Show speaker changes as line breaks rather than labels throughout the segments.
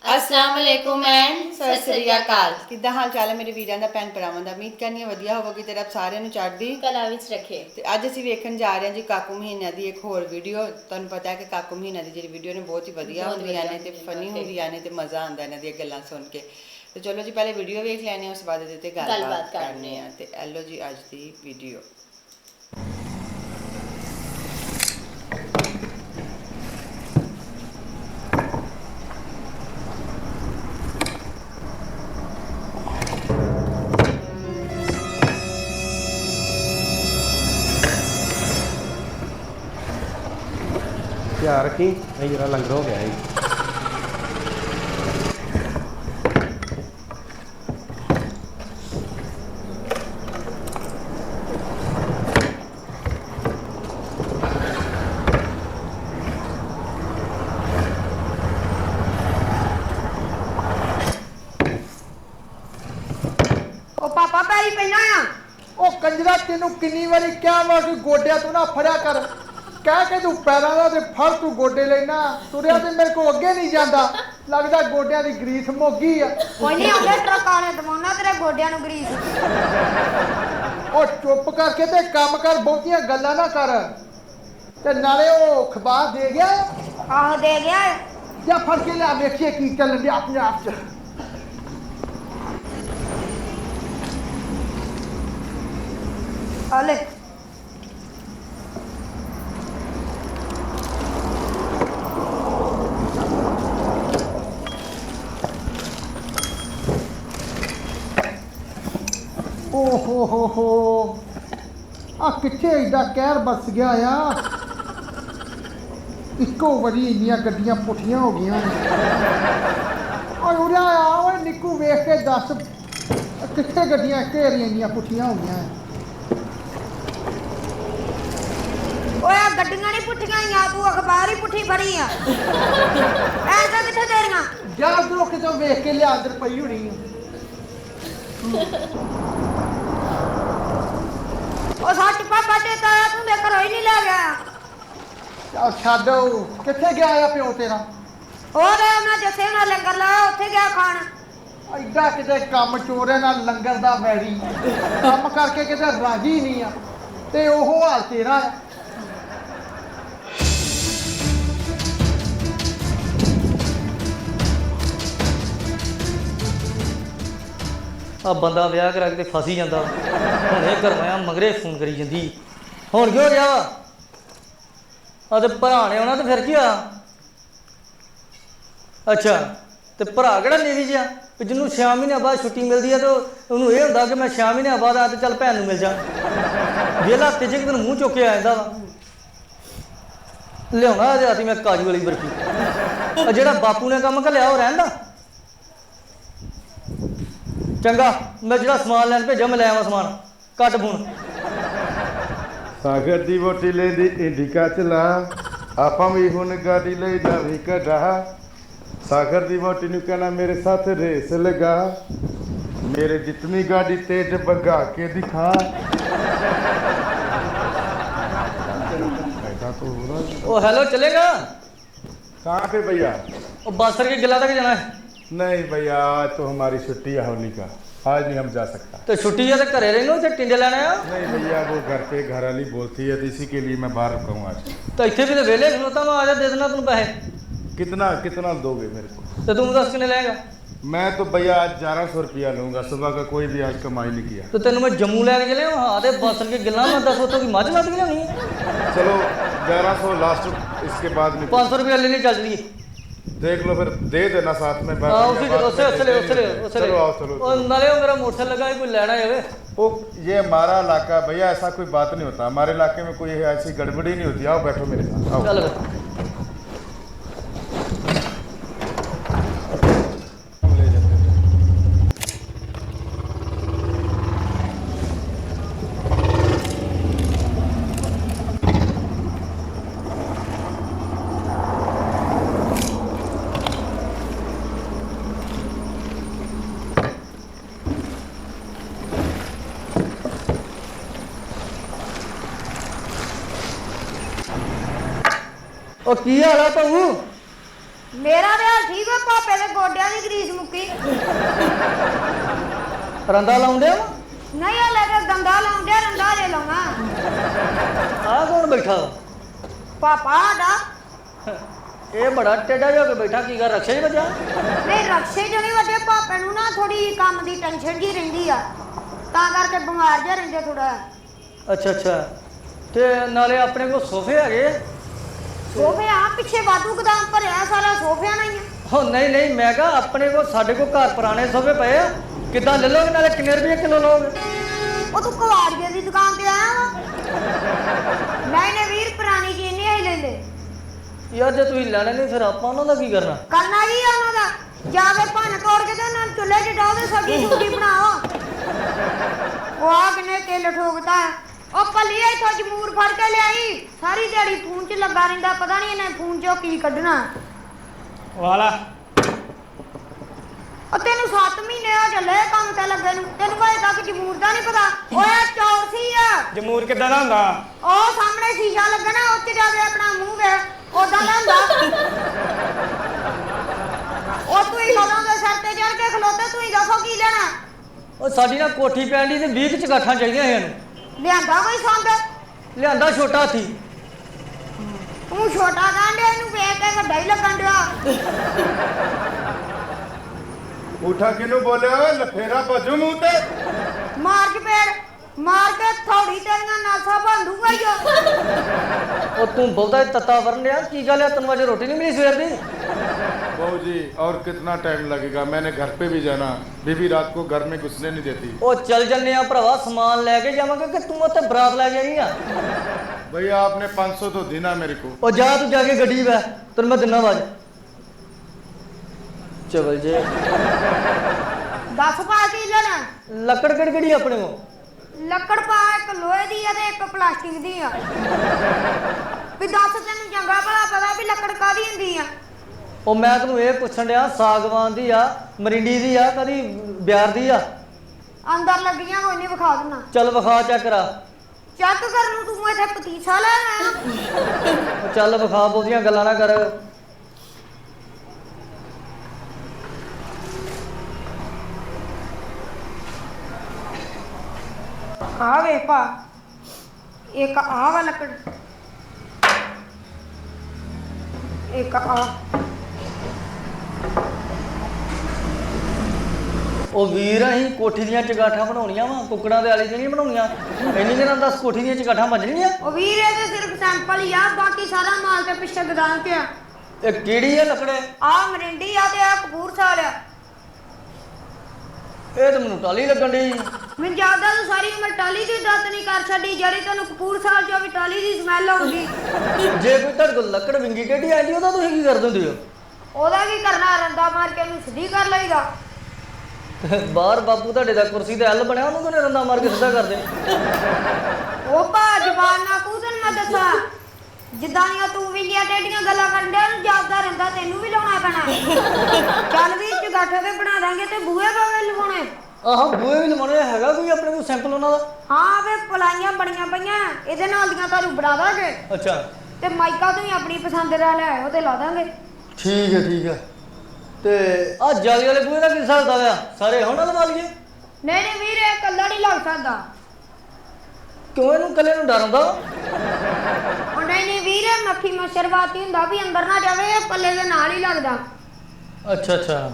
अस्सलाम वालेकुम एंड सत श्री अकाल।
किद्दां हाल चाल है मेरे वीरां दा भैन भरावां दा। उम्मीद करनी है वधिया होवोगी ते रब सारिਆਂ ਨੂੰ ਚੜ੍ਹਦੀ
कला विच रखे।
ਤੇ ਅੱਜ ਅਸੀਂ ਵੇਖਣ ਜਾ ਰਹੇ ਹਾਂ ਜੀ ਕਾਕੂ ਮਹੀਨਾ ਦੀ ਇੱਕ ਹੋਰ ਵੀਡੀਓ। ਤੁਹਾਨੂੰ ਪਤਾ ਹੈ ਕਿ ਕਾਕੂ ਮਹੀਨਾ ਦੀ ਜਿਹੜੀ ਵੀਡੀਓ ਨੇ ਬਹੁਤ ਹੀ ਵਧੀਆ ਹੁੰਦੀਆਂ ਨੇ ਤੇ ਫਨੀ ਹੁੰਦੀਆਂ ਨੇ ਤੇ ਮਜ਼ਾ ਆਉਂਦਾ ਇਹਨਾਂ ਦੀਆਂ ਗੱਲਾਂ ਸੁਣ ਕੇ। ਤੇ ਚਲੋ ਜੀ ਪਹਿਲੇ ਵੀਡੀਓ ਵੇਖ ਲੈਣੇ ਆ, ਉਸ ਬਾਅਦ ਇਹਦੇ ਤੇ ਗੱਲਬਾਤ ਕਰਨੇ ਆ। ਤੇ ਐਲੋ ਜੀ ਅੱਜ ਦੀ ਵੀਡੀਓ।
ਧਿਆਨ ਰੱਖੀ ਇਹ ਜਿਹੜਾ ਲੰਗਰ ਹੋ ਗਿਆ ਜੀ।
ਉਹ ਪਾਪਾ ਪੈਰੀ ਪੈਣਾ ਆ।
ਉਹ ਕੰਜਰਾ ਤੈਨੂੰ ਕਿੰਨੀ ਵਾਰੀ ਕਿਹਾ ਵਾ ਕਿ ਗੋਡਿਆਂ ਤੋਂ ਨਾ ਫੜਿਆ ਕਰ। ਕਹਿ ਕੇ ਤੂੰ ਪੈਰਾਂ ਦਾ ਤੇ ਫੜ ਤੂੰ ਗੋਡੇ ਲੈਣਾ। ਤੁਰਿਆ ਤੇ ਮੇਰੇ ਕੋਲ ਅੱਗੇ ਨਹੀਂ ਜਾਂਦਾ। ਲੱਗਦਾ ਗੋਡਿਆਂ ਦੀ ਗਰੀਸ ਮੁੱਕੀ ਆ।
ਕੋਈ ਨਹੀਂ ਆਉਂਦੇ ਟਰੱਕ ਵਾਲੇ ਦਵਾਉਣਾ ਤੇਰੇ ਗੋਡਿਆਂ ਨੂੰ ਗਰੀਸ।
ਉਹ ਚੁੱਪ ਕਰਕੇ ਤੇ ਕੰਮ ਕਰ, ਬਹੁਤੀਆਂ ਗੱਲਾਂ ਨਾ ਕਰ। ਤੇ ਨਾਲੇ ਉਹ ਅਖਬਾਰ ਦੇ ਗਿਆ।
ਆਹ ਦੇ ਗਿਆ
ਜਾਂ ਫੜ ਕੇ ਲਿਆ ਵੇਖੀਏ ਕੀ ਚੱਲਣ ਡਿਆ ਆਪਣੇ ਆਪ 'ਚ।
ਹਲੇ
ਓਹ ਹੋ ਆ ਕਿੱਥੇ ਏਡਾ ਕਹਿਰ ਬਸ ਗਿਆ ਆ। ਇੱਕੋ ਵਾਰੀ ਇੰਨੀਆਂ ਗੱਡੀਆਂ ਪੁੱਠੀਆਂ ਹੋ ਗਈਆਂ ਨੇ। ਓਏ ਉਰਿਆ ਆ ਓਏ ਨਿੱਕੂ, ਵੇਖ ਕੇ ਦੱਸ ਕਿੱਥੇ ਗੱਡੀਆਂ ਘੇਰੀਆਂ ਇੰਨੀਆਂ ਪੁੱਠੀਆਂ ਹੋ ਗਈਆਂ।
ਓਏ ਆ ਗੱਡੀਆਂ ਨਹੀਂ ਪੁੱਠੀਆਂ ਆ, ਤੂੰ ਅਖਬਾਰ ਹੀ ਪੁੱਠੀ ਫੜੀ ਆ। ਐਸਾ ਕਿੱਥੇ ਤੇਰੀਆਂ?
ਜਾ ਉਧਰੋਂ ਕਿਤੋਂ ਵੇਖ ਕੇ ਲਿਆ, ਅੰਦਰ ਪਈ ਹੋਣੀ ਆ।
ਉਹ ਸੱਚ ਪਾਪਾ ਤੇ ਤਾਇਆ ਤੂੰ ਦੇ ਘਰੋਂ ਹੀ ਨਹੀਂ ਲੈ ਗਿਆ।
ਚੱਲ ਛੱਡ, ਉਹ ਕਿੱਥੇ ਗਿਆ ਆ ਪਿਓ ਤੇਰਾ?
ਹੋਰ ਉਹਨਾਂ ਜੱਸੇ ਨਾਲ ਲੰਗਰ ਲਾਇਆ, ਉੱਥੇ ਗਿਆ ਖਾਣ।
ਐਡਾ ਕਿਤੇ ਕੰਮ ਚੋਰੇ ਨਾਲ ਲੰਗਰ ਦਾ ਵੈਰੀ, ਕੰਮ ਕਰਕੇ ਕਿਤੇ ਰਾਜੀ ਨਹੀਂ ਆ ਤੇ ਉਹ ਹਾਲ ਤੇਰਾ ਆ।
ਆ ਬੰਦਾ ਵਿਆਹ ਕਰਾ ਕੇ ਤੇ ਫਸ ਹੀ ਜਾਂਦਾ। ਹੁਣ ਇਹ ਘਰੋਂ ਮਗਰੇ ਫੋਨ ਕਰੀ ਜਾਂਦੀ। ਹੁਣ ਕਿਉਂ ਰਿਹਾ ਵਾ? ਆ ਤੇ ਭਰਾ ਨੇ ਆਉਣਾ ਤੇ ਫਿਰ ਕੀ ਆ? ਅੱਛਾ, ਤੇ ਭਰਾ ਕਿਹੜਾ ਨੇਵੀ ਜਿਹਾ ਕਿ ਜਿਹਨੂੰ 6 ਮਹੀਨਿਆਂ ਬਾਅਦ ਛੁੱਟੀ ਮਿਲਦੀ ਹੈ ਤੇ ਉਹਨੂੰ ਇਹ ਹੁੰਦਾ ਕਿ ਮੈਂ 6 ਮਹੀਨਿਆਂ ਬਾਅਦ ਆ ਤੇ ਚੱਲ ਭੈਣ ਨੂੰ ਮਿਲ ਜਾ। ਵੇਲਾ ਹਫ਼ਤੇ 'ਚ ਇੱਕ ਦਿਨ ਮੂੰਹ ਚੁੱਕ ਕੇ ਆ ਜਾਂਦਾ ਵਾ। ਲਿਆਉਣਾ ਇਹਦੇ ਹੱਥ ਮੈਂ ਕਾਜੂ ਵਾਲੀ ਬਰਫੀ। ਆ ਜਿਹੜਾ ਬਾਪੂ ਨੇ ਕੰਮ ਘੱਲਿਆ ਉਹ ਰਹਿੰਦਾ। ਚੰਗਾ, ਮੈਂ ਜਿਹੜਾ ਸਮਾਨ ਲੈਣ ਭੇਜਿਆ ਮੈਂ ਲੈ ਆਵਾਂ ਸਮਾਨ। Cut phone.
ਸਾਗਰ ਦੀ ਵੋਟੀ ਲੈਂਦੀ ਇੰਡੀਕਾ ਚਲਾ, ਆਪਾਂ ਵੀ ਹੁਣ ਗਾੜੀ ਲਈ ਨਵੀਂ ਕਢਾ। ਸਾਗਰ ਦੀ ਵੋਟੀ ਨੂੰ ਕਹਿਣਾ ਮੇਰੇ ਸਾਥ ਰੇਸ ਲਗਾ, ਮੇਰੇ ਜਿਤਨੀ गाड़ी तेज भगा के दिखा।
ओ हेलो, चलेगा?
कहाँ पे भैया?
ओ बासर के गिला तक जाना है।
नहीं भैया, आज तो हमारी छुट्टी है होली का, आज नहीं हम जा सकता।
तो छुट्टी है तो घरे रहना, उसे टिंडे लेना है।
नहीं भैया, वो घर पे घर वाली बोलती है तो इसी के लिए मैं बाहर रुका हूँ आज।
तो इतने भी तो वेले खलोता मैं आजा दे देना तुम पैसे।
कितना कितना दोगे मेरे को?
तो तुम 10 किने लेगा?
मैं तो भैया आज 1100 रुपया लूँगा, सुबह का कोई भी आज कमाई नहीं किया।
तो तेन मैं जम्मू लैके चले हाँ तो बासर के गिला मैं 10 उत्तों की मझ लद के लिया।
चलो 1100 लास्ट, इसके बाद नहीं।
500 रुपया लेने चल रही।
देख लो फिर, दे देना साथ में।
हाँ उसे
चलो आओ, चलो।
नाले मेरा मोटरसाइकिल लगा कोई लेना है।
वो ये हमारा इलाका भैया, ऐसा कोई बात नहीं होता हमारे इलाके में, कोई ऐसी गड़बड़ी नहीं होती। आओ बैठो मेरे साथ, आओ।
चल
ले जाते हैं।
ਉਹ ਕੀ ਹਾਲ ਆ ਭਾਊ?
ਮੇਰਾ ਤੇ ਹਾਲ ਠੀਕ ਆ, ਪਾਪੇ ਦੇ ਗੋਡਿਆਂ ਦੀ ਗਰੀਸ ਮੁੱਕੀ।
ਰੰਦਾ ਲਾਉਂਦੇ ਆ
ਨਹੀਂ ਹਲੇ ਤੇ ਦੰਦਾ ਲਾਉਂਦੇ, ਰੰਦਾ ਜੇ ਲਾਉਣਾ।
ਆਹ ਕੌਣ ਬੈਠਾ ਵਾ?
ਪਾਪਾ ਸਾਡਾ।
ਇਹ ਬੜਾ ਟੇਢਾ ਜਿਹਾ ਹੋ ਕੇ ਬੈਠਾ, ਕੀ ਕਰ ਰਕਸ਼ੇ 'ਚ ਵੱਜਾ?
ਨਹੀਂ ਰਕਸ਼ੇ ਜਣੀ ਵੱਡੇ, ਪਾਪੇ ਨੂੰ ਨਾ ਥੋੜੀ ਕੰਮ ਦੀ ਟੈਨਸ਼ਨ ਜੀ ਰਹਿੰਦੀ ਆ, ਤਾਂ ਕਰਕੇ ਬਿਮਾਰ ਜਿਹਾ ਰਹਿੰਦੇ ਥੋੜਾ।
ਅੱਛਾ ਅੱਛਾ। ਤੇ ਨਾਲੇ ਆਪਣੇ ਕੋਲ ਸੋਫੇ ਹੈਗੇ?
ਸੋਫੇ ਆ ਪਿੱਛੇ ਵਾਧੂ ਗਦਾਮ ਭਰਿਆ ਸਾਰਾ ਸੋਫਿਆਂ ਨਾਲ ਹੀ ਆ।
ਉਹ ਨਹੀਂ ਨਹੀਂ, ਮੈਂ ਕਿਹਾ ਆਪਣੇ ਕੋਲ, ਸਾਡੇ ਕੋਲ ਘਰ ਪੁਰਾਣੇ ਸੋਫੇ ਪਏ ਆ, ਕਿੱਦਾਂ ਲੈ ਲਓਗੇ? ਨਾਲੇ ਕਿੰਨੇ ਰੁਪਏ ਕਿਲੋ ਲਓਗੇ?
ਉਹ ਤੂੰ ਕਵਾੜੀਏ ਦੀ ਦੁਕਾਨ ਤੇ ਆਇਆ ਵਾ? ਨਹੀਂ ਨਹੀਂ ਵੀਰ, ਪੁਰਾਣੀ ਚੀਜ਼ ਨਹੀਂ ਆਈ ਲੈਂਦੇ।
ਯਾਰ ਜੇ ਤੁਸੀਂ ਲੈਣੇ ਨਹੀਂ ਫਿਰ ਆਪਾਂ ਉਹਨਾਂ ਦਾ ਕੀ ਕਰਨਾ?
ਕਰਨਾ ਕੀ ਆ ਉਹਨਾਂ ਦਾ? ਜਾ ਕੇ ਭੰਨ ਤੋੜ ਕੇ ਤੇ ਉਹਨਾਂ ਨੂੰ ਚੁੱਲ੍ਹੇ 'ਚ ਡਾਹ ਦੇ, ਸਬਜ਼ੀ ਸੁਬਜ਼ੀ ਬਣਾਓ। ਉਹ ਆ ਕਿਨੇ ਤੇਲ ਠੋਕਦਾ ਹੈ। ਉਹ ਭੱਲੀ ਇੱਥੋਂ ਜਮੂਰ ਫੜ ਕੇ ਲਿਆਈ, ਸਾਰੀ ਦਿਹਾੜੀ ਫੋਨ 'ਚ ਲੱਗਾ ਰਹਿੰਦਾ, ਪਤਾ ਨਹੀਂ ਇਹਨੇ ਫੋਨ 'ਚੋਂ ਕੀ ਕੱਢਣਾ।
ਵਾਲਾ
ਉਹ ਤੈਨੂੰ 7 ਮਹੀਨੇ ਹੋ ਚੱਲੇ ਕੰਮ ਤੇ ਲੱਗੇ ਨੂੰ, ਤੈਨੂੰ ਭਾਵੇਂ ਤੱਕ ਜਮੂਰ ਦਾ ਨਹੀਂ ਪਤਾ। ਓਏ ਚੌਰ ਸੀ ਆ,
ਜਮੂਰ ਕਿੱਦਾਂ ਦਾ ਹੁੰਦਾ?
ਉਹ ਸਾਹਮਣੇ ਸ਼ੀਸ਼ਾ ਲੱਗਣਾ, ਉੱਥੇ ਜਾ ਕੇ ਆਪਣਾ ਮੂੰਹ ਵੇਖ, ਉਦਾਂ ਦਾ ਹੁੰਦਾ। ਉਹ ਤੂੰ ਹੀ ਕਦੋਂ ਦੇ ਸਿਰ ਤੇ ਚੜ ਕੇ ਖਲੋਤੇ, ਤੂੰ ਹੀ ਦੱਸੋ ਕੀ ਲੈਣਾ?
ਉਹ ਸਾਡੀ ਨਾ ਕੋਠੀ ਪੈਣ ਦੀ ਤੇ 20 ਚਗਾਠਾਂ ਚਾਹੀਦੀਆਂ ਇਹਨੂੰ।
ਲਿਆਂਦਾ ਕੋਈ ਸੰਦ?
ਲਿਆਂਦਾ ਛੋਟਾ ਹਾਥੀ।
ਤੂੰ ਛੋਟਾ ਕਾਂਡਿਆ, ਇਹਨੂੰ ਵੇਖ ਕੇ ਵੱਡਾ ਹੀ ਲੱਗਣ ਡਿਆ।
ਉਠਾ ਕਿਨੂੰ ਬੋਲਿਆ ਓਏ? ਲਫੇਰਾ ਭਜੂ ਮੂੰਹ ਤੇ।
ਮਾਰ ਕੇ ਪੇੜ ਮਾਰ ਕੇ ਥੋੜੀ ਤੇਰੀਆਂ ਨਾਸਾਂ ਬੰਦੂਗਾ ਹੀ ਉਹ।
ਉਹ ਤੂੰ ਬਹੁਤਾ ਹੀ ਤੱਤਾ ਵਰਨ ਲਿਆ, ਕੀ ਗੱਲ ਹੈ? ਤੈਨੂੰ ਅਜੇ ਰੋਟੀ ਨਹੀਂ ਮਿਲੀ ਸਵੇਰ ਦੀ?
बहू जी और कितना टाइम लगेगा? मैंने घर पे भी जाना, बीबी रात को घर में घुसने नहीं देती।
ਉਹ ਚੱਲ ਜੰਨੇ ਆ ਭਰਾਵਾ, ਸਮਾਨ ਲੈ ਕੇ ਜਾਵਾਂਗੇ ਕਿ ਤੂੰ ਉੱਥੇ ਬਰਾਤ ਲੈ ਕੇ ਆਈ ਆ?
भैया आपने 500 तो देना मेरे को।
ਉਹ ਜਾ ਤੂੰ ਜਾ ਕੇ ਗੱਡੀ ਬੈ, ਤੈਨੂੰ ਮੈਂ ਦਿਨਾ ਆਵਾਜ਼। ਚਵਲ ਜੇ
ਦੱਸ ਪਾ ਕੀ ਲੈਣਾ?
ਲੱਕੜ ਕਿਹੜੀ ਆਪਣੇ ਕੋ?
ਲੱਕੜ ਪਾ, ਇੱਕ ਲੋਹੇ ਦੀ ਆ ਤੇ ਇੱਕ ਪਲਾਸਟਿਕ ਦੀ ਆ। ਵੀ ਦੱਸ ਤੈਨੂੰ ਚੰਗਾ ਭਲਾ ਪਤਾ ਵੀ ਲੱਕੜ ਕਾਹਦੀ ਹੁੰਦੀ ਆ?
ਉਹ ਮੈਂ ਤੈਨੂੰ ਇਹ ਪੁੱਛਣ ਡਿਆ, ਸਾਗਵਾਨ ਦੀ ਆ, ਮਰਿੰਡੀ ਦੀ ਆ, ਕਦੀ ਬਿਆਰ ਦੀ ਆ?
ਅੰਦਰ ਲੱਗੀਆਂ ਕੋਈ ਨਹੀਂ, ਵਿਖਾ ਦਿੰਨਾ।
ਚੱਲ ਵਿਖਾ, ਚੈੱਕ ਕਰਾ।
ਚੱਕ ਕਰਨ ਨੂੰ ਤੂੰ ਇੱਥੇ ਪਤੀਸਾ ਲੈ ਆਇਆ।
ਉਹ ਚੱਲ ਵਿਖਾ, ਬਹੁਤੀਆਂ ਗੱਲਾਂ ਨਾ ਕਰ।
ਆ ਵੇ ਪਾ, ਇੱਕ ਆ ਵਾ ਲੱਕੜ, ਇੱਕ ਆ।
ਉਹ ਵੀਰ, ਅਸੀਂ ਕੋਠੀ ਦੀਆਂ ਚਗਾਠਾਂ ਬਣਾਉਣੀਆਂ ਵਾ, ਕੁੱਕੜਾਂ ਦੇ ਆਲੀ ਤੇ ਨਹੀਂ ਬਣਾਉਣੀਆਂ। ਇੰਨੀ ਦਿਨਾਂ ਦੱਸ, ਕੋਠੀ ਦੀਆਂ ਚਗਾਠਾਂ ਵੱਜਣੀਆਂ?
ਉਹ ਵੀਰ ਇਹ ਤੇ ਸਿਰਫ ਸੈਂਪਲ ਹੀ ਆ, ਬਾਕੀ ਸਾਰਾ ਮਾਲ ਤੇ ਪਿੱਛੇ ਗਦਾਮ ਤੇ ਆ।
ਇਹ ਕਿਹੜੀ ਆ ਲੱਕੜੇ?
ਆ ਮਰਿੰਡੀ ਆ ਤੇ ਆ ਕਪੂਰਥਲਾ ਆ।
ਇਹ ਤਾਂ ਮੈਨੂੰ ਟਾਲੀ ਲੱਗਣ ਡਈ।
ਮੈਨੂੰ ਜ਼ਿਆਦਾ ਤੂੰ ਸਾਰੀ ਉਮਰ ਟਾਲੀ ਦੀ ਦੱਤ ਨਹੀਂ ਕਰ ਛੱਡੀ, ਜਿਹੜੀ ਤੈਨੂੰ ਕਪੂਰਥਲਾ ਚੋਂ ਵੀ ਟਾਲੀ ਦੀ ਸਮੈਲ ਆਉਂਦੀ।
ਜੇ ਕੋਈ ਤੁਹਾਡੇ ਕੋਲ ਲੱਕੜ ਵਿੰਗੀ ਟੇਢੀ ਆਂਦੀ, ਉਹਦਾ ਤੁਸੀਂ ਕੀ ਕਰ ਦਿੰਦੇ ਹੋ?
ਉਹਦਾ ਕੀ ਕਰਨਾ, ਰੰਦਾ ਮਾਰ ਕੇ ਉਹਨੂੰ ਸਿੱਧੀ ਕਰ ਲਈਦਾ।
ਬਾਹਰ ਬਾਪੂ ਤੁਹਾਡੇ ਦਾ ਕੁਰਸੀ ਤੇ ਐਲ ਬਣਿਆ, ਉਹਨੂੰ ਕਿਹਨੇ ਰੰਦਾ ਮਾਰ ਕੇ ਸਿੱਧਾ ਕਰਦੇ?
ਉਹ ਭਾ ਜ਼ਬਾਨ ਨਾ ਕੂ, ਤੈਨੂੰ ਮੈਂ ਦੱਸਾਂ, ਜਿੱਦਾਂ ਦੀਆਂ ਤੂੰ ਵਿੰਗੀਆਂ ਟੇਢੀਆਂ ਗੱਲਾਂ ਕਰਨ ਡਿਆ, ਉਹਨੂੰ ਜਾਪਦਾ ਰਹਿੰਦਾ ਤੈਨੂੰ ਵੀ ਲਾਉਣਾ ਪੈਣਾ। ਚੱਲ ਵੀ ਚਗਾਠੇ ਤੇ ਬਣਾ ਦਾਂਗੇ ਤੇ ਬੂਹੇ ਬਾਵੇ ਲਵਾਉਣੇ।
ਆਹ ਬੂਹੇ ਵੀ ਲਵਾਉਣੇ ਹੈਗਾ ਕੋਈ ਆਪਣੇ ਕੋਲ ਸੈਂਪਲ ਉਹਨਾਂ ਦਾ?
ਹਾਂ ਵੇ ਪਲਾਈਆਂ ਬਣੀਆਂ ਪਈਆਂ, ਇਹਦੇ ਨਾਲ ਦੀਆਂ ਤੁਹਾਨੂੰ ਬਣਾ ਦਾਂਗੇ।
ਅੱਛਾ,
ਤੇ ਮਾਈਕਾ ਤੂੰ ਆਪਣੀ ਪਸੰਦ ਦਾ ਲੈ ਆਇਓ ਤੇ ਲਾ ਦਾਂਗੇ।
ਠੀਕ ਹੈ ਠੀਕ ਹੈ। ਤੇ ਆਹ ਜਾਲੀ ਵਾਲੇ ਬੂਹੇ ਦਾ ਕੀ ਹਿਸਾਬ ਦਾ? ਸਾਰੇ ਹੁਣ ਲਵਾ ਲਈਏ?
ਨਹੀਂ ਨਹੀਂ ਵੀਰ, ਇਹ ਕੱਲਾ ਨਹੀਂ ਲੱਗ ਸਕਦਾ।
ਕਿਉਂ, ਇਹਨੂੰ ਕੱਲੇ ਨੂੰ ਡਰ ਹੁੰਦਾ?
ਉਹ ਨਹੀਂ ਨਹੀਂ ਵੀਰ, ਮੱਖੀ ਮੱਛਰ ਵਾਤੀ ਹੁੰਦਾ ਵੀ ਅੰਦਰ ਨਾ ਜਾਵੇ, ਇਹ ਪੱਲੇ ਦੇ ਨਾਲ ਹੀ ਲੱਗਦਾ।
ਅੱਛਾ ਅੱਛਾ।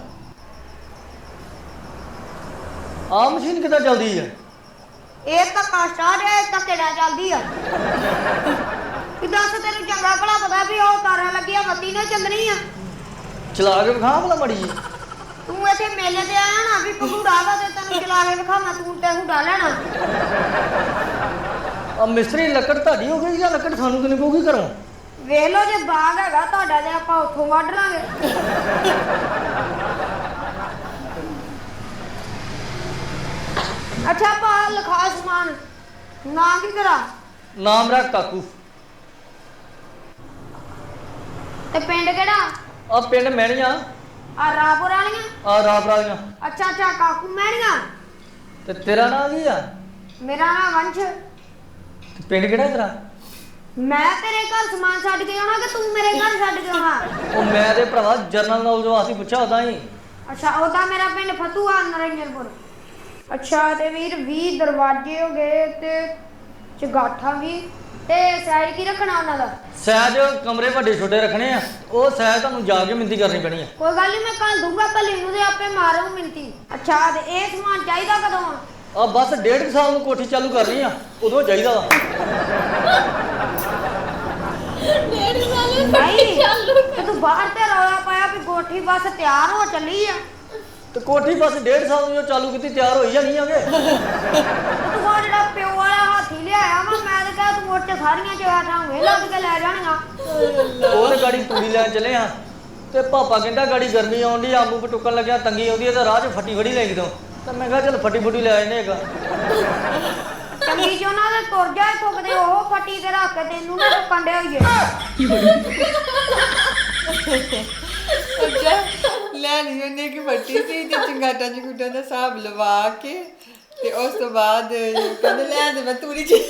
ਆਹ ਮਸ਼ੀਨ ਕਿੱਦਾਂ ਚੱਲਦੀ ਹੈ?
ਇਹ ਤਾਂ ਕਾਸਟਾਰ ਹੈ, ਇਹ ਤਾਂ ਕਿਹੜਾ ਚੱਲਦੀ ਆ। ਕਿ ਦੱਸ ਤੈਨੂੰ ਚੰਗਾ ਭਲਾ ਪਤਾ ਵੀ ਉਹ ਤਾਰਾਂ ਲੱਗੀਆਂ, ਬੱਤੀ ਨਾ ਚੱਲਣੀ ਆ।
ਚਲਾ ਕੇ ਵਿਖਾ ਭਲਾ ਮੜੀ ਜੀ।
ਤੂੰ ਇੱਥੇ ਮੇਲੇ ਤੇ ਆਇਆ ਨਾ, ਵੀ ਭਗੂੜਾ ਵਾ ਤੇ ਤੈਨੂੰ ਚਲਾ ਕੇ ਵਿਖਾਵਾਂ, ਤੂੰ ਤੇ ਹੁਡਾ ਲੈਣਾ।
ਆ ਮਿਸਤਰੀ, ਲੱਕੜ ਤੁਹਾਡੀ ਹੋ ਗਈ ਜਾਂ ਲੱਕੜ ਸਾਨੂੰ ਕਿਨੇ ਪਊਗੀ ਘਰੋਂ?
ਵੇਖ ਲਓ, ਜੇ ਬਾਗ ਹੈਗਾ ਤੁਹਾਡਾ ਤੇ ਆਪਾਂ ਉੱਥੋਂ ਵੱਢ ਲਾਂਗੇ। ਅੱਛਾ ਭਾ, ਲਿਖਾ ਸਮਾਨ, ਨਾਂ ਕੀ ਕਰਾਂ?
ਨਾਮ ਰੱਖ ਕਾਕੂ।
ਤੇ ਪਿੰਡ ਕਿਹੜਾ?
ਆ ਪਿੰਡ ਮਹਿਣੀਆਂ,
ਆ ਰਾਪੁਰ ਵਾਲੀਆਂ?
ਆ ਰਾਪ ਰਾਲੀਆਂ।
ਅੱਛਾ ਅੱਛਾ, ਕਾਕੂ ਮਹਿਣੀਆਂ।
ਤੇ ਤੇਰਾ ਨਾਂ ਕੀ ਆ?
ਮੇਰਾ ਨਾਮ ਵੰਸ਼।
ਤੇ ਪਿੰਡ ਕਿਹੜਾ ਤੇਰਾ?
ਮੈਂ ਤੇਰੇ ਘਰ ਸਮਾਨ ਛੱਡ ਕੇ ਆਉਣਾ ਕਿ ਤੂੰ ਮੇਰੇ ਘਰ ਛੱਡ ਕੇ ਆਉਣਾ?
ਉਹ ਮੈਂ ਤੇ ਭਰਾਵਾ ਜਰਨਲ ਨੌਲੇਜ ਵਾਸਤੇ ਪੁੱਛਿਆ ਉਦਾਂ ਹੀ।
ਅੱਛਾ ਉਹਦਾ ਮੇਰਾ ਪਿੰਡ ਫਤੂਆ ਨਰਿੰਦਰਪੁਰ। ਅੱਛਾ ਤੇ ਵੀਰ 20 ਦਰਵਾਜ਼ੇ ਹੋ ਗਏ ਤੇ ਚਗਾਠਾਂ ਵੀ ਤੇ ਸਾਈਡ ਕੀ ਰੱਖਣਾ ਉਹਨਾਂ ਦਾ?
ਸਹਿਜ ਕਮਰੇ ਵੱਡੇ ਛੋਟੇ ਰੱਖਣੇ ਆ, ਉਹ ਸਹਿਜ ਤੁਹਾਨੂੰ ਜਾ ਕੇ ਮਿੰਤੀ ਕਰਨੀ ਪੈਣੀ ਆ।
ਕੋਈ ਗੱਲ ਨਹੀਂ, ਮੈਂ ਕੱਲ ਦੂੰਗਾ ਭੱਲੀ ਨੂੰ ਤੇ ਆਪੇ ਮਾਰੂ ਮਿੰਤੀ। ਅੱਛਾ ਤੇ ਇਹ ਸਮਾਨ ਚਾਹੀਦਾ ਕਦੋਂ ਆ?
ਆ ਬਸ 1.5 ਸਾਲ ਨੂੰ ਕੋਠੀ ਚਾਲੂ ਕਰਨੀ ਆ, ਉਦੋਂ ਚਾਹੀਦਾ ਵਾ।
1.5 ਸਾਲ
ਨਹੀਂ
ਚਾਲੂ
ਤੇ ਤੂੰ ਬਾਹਰ ਤੇ ਰੌਲਾ ਪਾਇਆ ਵੀ ਕੋਠੀ ਬਸ ਤਿਆਰ ਹੋ ਚੱਲੀ ਆ।
ਤੇ ਕੋਠੀ ਬਸ 1.5 ਸਾਲ ਨੂੰ ਜੋ ਚਾਲੂ ਕੀਤੀ ਤਿਆਰ ਹੋਈ ਜਾਣੀ ਆਗੇ।
ਤੂੰ ਉਹ ਜਿਹੜਾ ਪਿਓ ਵਾਲਾ ਹਾਥੀ ਲਿਆਇਆ ਵਾ, ਮੈਂ ਤਾਂ ਕਿਹਾ ਤੂੰ ਉੱਚ ਸਾਰੀਆਂ ਚਵਾਟਾਂ ਹੋਏ ਲੱਗ ਕੇ ਲੈ ਜਾਣੀਆਂ।
ਉਹ ਤੇ ਗਾੜੀ ਤੂੜੀ ਲੈਣ ਚੱਲੇ ਆ ਤੇ ਪਾਪਾ ਕਹਿੰਦਾ ਗਾੜੀ ਗਰਮੀ ਆਉਂਦੀ, ਆਂਬੂ ਪਟੁੱਕਣ ਲੱਗਿਆ ਤੰਗੀ ਆਉਂਦੀ ਹੈ ਤੇ ਰਾਹ 'ਚ ਫੱਟੀ ਫੜੀ ਲੈ ਕਿਦੋਂ, ਤਾਂ ਮੈਂ ਕਿਹਾ ਚੱਲ ਫੱਟੀ ਫੁੱਟੀ ਲੈ ਆਨੇ ਹੈਗਾ।
ਚੰਗੀ ਚ ਉਹਨਾਂ ਦੇ ਤੁਰ ਜਾਏ ਫੁੱਕਦੇ ਉਹ ਫੱਟੀ ਤੇ ਰੱਖ ਕੇ ਤੈਨੂੰ ਨਾ ਟੁੱਕਣ ਦੇ ਹੋਈਏ।
ਅੱਛਾ ਲੈ ਲਈ ਉਹਨੇ ਕਿ ਫੱਟੀ ਸੀ ਤੇ ਚੰਗਾਟਾਂ ਚੰਗੂਟਾਂ ਦਾ ਹਿਸਾਬ ਲਵਾ ਕੇ ਤੇ ਉਸ ਤੋਂ ਬਾਅਦ ਕਹਿੰਦੇ ਲੈ ਦੇ ਮੈਂ ਤੂੜੀ ਚ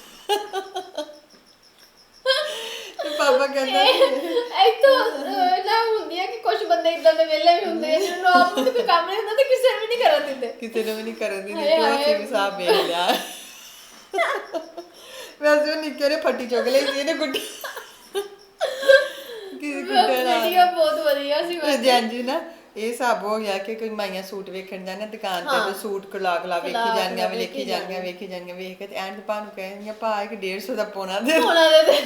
ਤੇ ਪਾਪਾ ਕਹਿੰਦਾ
ਇੱਥੋਂ ਨਾ ਹੁੰਦੀ ਹੈ ਕਿ ਕੁਝ ਬੰਦੇ ਇਦਾਂ ਦੇ ਵਿਹਲੇ ਵੀ ਹੁੰਦੇ ਆ ਜਿਹਨਾਂ ਨੂੰ ਆਪ ਨੂੰ ਕੋਈ ਕੰਮ ਨਹੀਂ ਹੁੰਦਾ ਤੇ ਕਿਸੇ ਨੂੰ ਵੀ ਨਹੀਂ ਕਰਨ ਦਿੰਦੇ।
ਕਿਸੇ ਨੂੰ ਵੀ ਨਹੀਂ ਕਰਨ ਦਿੰਦੀ ਤੇ ਅਸੀਂ ਵੀ ਹਿਸਾਬ ਵੇਖ ਲਿਆ। ਵੈਸੇ ਉਹ ਨਿੱਕੇ ਨੇ ਫੱਟੀ ਚੁੱਕ ਲਈ ਸੀ ਇਹਨੇ ਗੁੱਡੀ ਕਿਸੇ ਗੁੱਡੇ ਨਾਲ
ਵੀਡੀਓ ਬਹੁਤ ਵਧੀਆ ਸੀ ਵੈਸੇ।
ਹਾਂਜੀ ਨਾ ਇਹ ਹਿਸਾਬ ਹੋ ਗਿਆ ਕਿ ਕੋਈ ਮਾਈਆਂ ਸੂਟ ਵੇਖਣ ਜਾਣਾ ਦੁਕਾਨ ਤੇ ਸੂਟ ਕਲਾ ਵੇਖੀ ਜਾਣੀਆਂ ਵੇਖੀ ਜਾਣੀਆਂ ਵੇਖ ਕੇ ਤੇ ਐਂਡ ਪਾ ਨੂੰ ਕਹਿੰਦੀਆਂ ਭਾ ਇੱਕ 150 ਦਾ ਪੋਣਾ ਦੇ
ਉਹਨਾਂ ਦੇ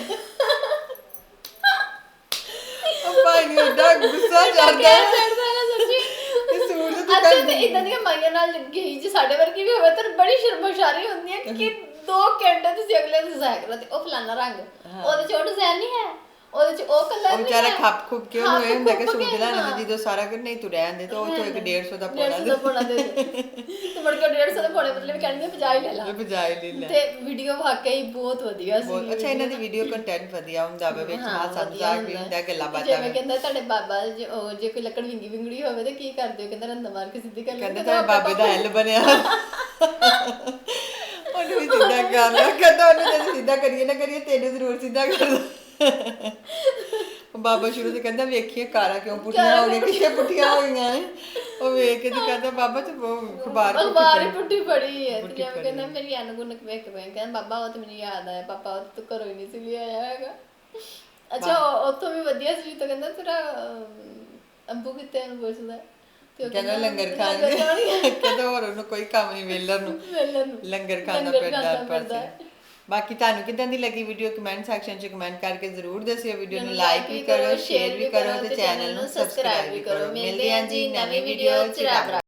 ਉਹ ਭਾਈ ਨੂੰ ਏਡਾ ਗੁੱਸਾ ਚੜਦਾ
ਚੜਦਾ ਨਾ ਸੱਚੀ।
ਇਹ ਸੂਟ ਤੇ
ਅੱਛਾ ਤੇ ਇਦਾਂ ਦੀਆਂ ਮਾਈਆਂ ਨਾਲ ਗਈ ਜੇ ਸਾਡੇ ਵਰਗੀ ਵੀ ਹੋਵੇ ਤਾਂ ਬੜੀ ਸ਼ਰਮਸ਼ਾਰੀ ਹੁੰਦੀ ਹੈ ਕਿ 2 ਘੰਟੇ ਤੁਸੀਂ ਅਗਲੇ ਦਿਨ ਜ਼ਾਇਆ ਕਰੋ ਤੇ ਉਹ ਫਲਾਣਾ ਰੰਗ ਉਹਦੇ ਚ ਉਹ ਡਿਜ਼ਾਈਨ ਨਹੀਂ ਹੈ, ਉਹਦੇ ਚ ਉਹ ਕਲਰ
ਉਹ
ਨਹੀਂ
ਵਿਚਾਰਾ
ਹੈ।
ਖੱਪ ਖੁੱਪ ਕੇ ਉਹਨੂੰ ਇਹ ਹੁੰਦਾ ਕਿ ਸੂਟ ਲੈਣਾ ਤੇ ਜਦੋਂ ਸਾਰਾ ਕੁਝ ਨਹੀਂ ਤੂੰ ਰਹਿਣ ਦੇ ਤੇ ਉਹ ਤੋਂ ਇੱਕ 150 ਦਾ ਪੋਣਾ
150 ਦਾ ਪੋਣਾ ਦੇ ਦੇ ਤੇ ਮੁੜ ਕੇ 150 ਦਾ ਪੋਣੇ ਬਦਲੇ ਵੀ ਕਹਿੰਦੇ 50 ਹੀ ਲੈ ਲਾ।
ਦੇ ਬਜਾਏ ਲੈ ਲੈ
ਤੇ ਵੀਡੀਓ ਵਾਕਈ ਬਹੁਤ ਵਧੀਆ ਸੀ।
ਬਹੁਤ ਅੱਛਾ ਇਹਨਾਂ ਦੀ ਵੀਡੀਓ ਕੰਟੈਂਟ ਵਧੀਆ ਹੁੰਦਾ ਵਾ ਵਿੱਚ ਹਾਸਾ ਮਜ਼ਾਕ ਵੀ ਹੁੰਦਾ ਗੱਲਾਂ ਬਾਤਾਂ
ਜਿਵੇਂ ਕਹਿੰਦਾ ਤੁਹਾਡੇ ਬਾਬਾ ਜੇ ਕੋਈ ਲੱਕੜ ਵਿੰਗੀ ਵਿੰਗੜੀ ਹੋਵੇ ਤੇ ਕੀ ਕਰਦੇ ਹੋ, ਕਹਿੰਦਾ ਰੰਦਾ ਮਾਰ ਕੇ ਸਿੱਧੀ ਕਰ
ਕਹਿੰਦੇ ਤਾਂ ਬਾਬੇ ਦਾ ਐਲ ਬਣਿਆ ਉਹਨੂੰ ਵੀ ਸਿੱਧਾ ਕਰ ਲਿਆ ਕਹਿੰਦਾ ਉਹਨੂੰ ਜੇ ਸਿੱਧਾ ਕਰੀਏ ਨਾ ਕਰੀਏ ਤੈਨੂੰ ਜ਼ਰੂਰ ਸਿੱਧਾ ਕਰ ਦੋ। ਬਾਬਾ ਸ਼ੁਰੂ ਤੋਂ ਕਹਿੰਦਾ ਵੇਖੀਏ ਕਾਰਾਂ ਕਿਉਂ ਪੁੱਠੀਆਂ ਹੋ ਗਈਆਂ ਕਿੱਥੇ ਪੁੱਠੀਆਂ ਹੋ ਗਈਆਂ ਨੇ ਉਹ ਵੇਖ ਕੇ ਤੇ ਕਹਿੰਦਾ ਬਾਬਾ ਤੇ
ਅਖਬਾਰ ਹੀ ਪੁੱਠੀ ਪੜੀ ਹੈ ਤੇ ਜਿਵੇਂ ਕਹਿੰਦਾ ਮੇਰੀ ਅਨਗੁਣ ਵੇਖ ਕੇ ਕਹਿੰਦਾ ਬਾਬਾ ਉਹ ਤੇ ਮੈਨੂੰ ਯਾਦ ਆਇਆ ਪਾਪਾ ਉਹ ਤੂੰ ਘਰੋਂ ਹੀ ਨਹੀਂ ਸੀ ਲਿਆਇਆ ਹੈਗਾ। ਅੱਛਾ ਉੱਥੋਂ ਵੀ ਵਧੀਆ ਸੀ ਤਾਂ ਕਹਿੰਦਾ ਤੇਰਾ ਅੰਬੂ ਕਿੱਥੇ ਨੂੰ ਪੁੱਛਦਾ ਤੇ ਉਹ
ਕਹਿੰਦਾ ਲੰਗਰ ਖਾਣਗੇ ਕਹਿੰਦਾ ਹੋਰ ਉਹਨੂੰ ਕੋਈ ਕੰਮ ਨਹੀਂ ਵੇਲਰ ਨੂੰ ਲੰਗਰ ਖਾਣਾ ਪੈਂਦਾ। ਬਾਕੀ ਤੁਹਾਨੂੰ ਕਿਦਾਂ ਦੀ ਲੱਗੀ ਵੀਡੀਓ ਕਮੈਂਟ ਸੈਕਸ਼ਨ 'ਚ ਕਮੈਂਟ ਕਰਕੇ ਜ਼ਰੂਰ ਦੱਸਿਓ। ਵੀਡੀਓ ਨੂੰ ਲਾਈਕ ਵੀ ਕਰੋ, ਸ਼ੇਅਰ ਵੀ ਕਰੋ ਤੇ ਚੈਨਲ ਨੂੰ ਸਬਸਕ੍ਰਾਈਬ ਵੀ ਕਰੋ। ਮਿਲਦੇ ਹਾਂ ਜੀ ਨਵੀਂ ਵੀਡੀਓ 'ਚ। ਰੱਬ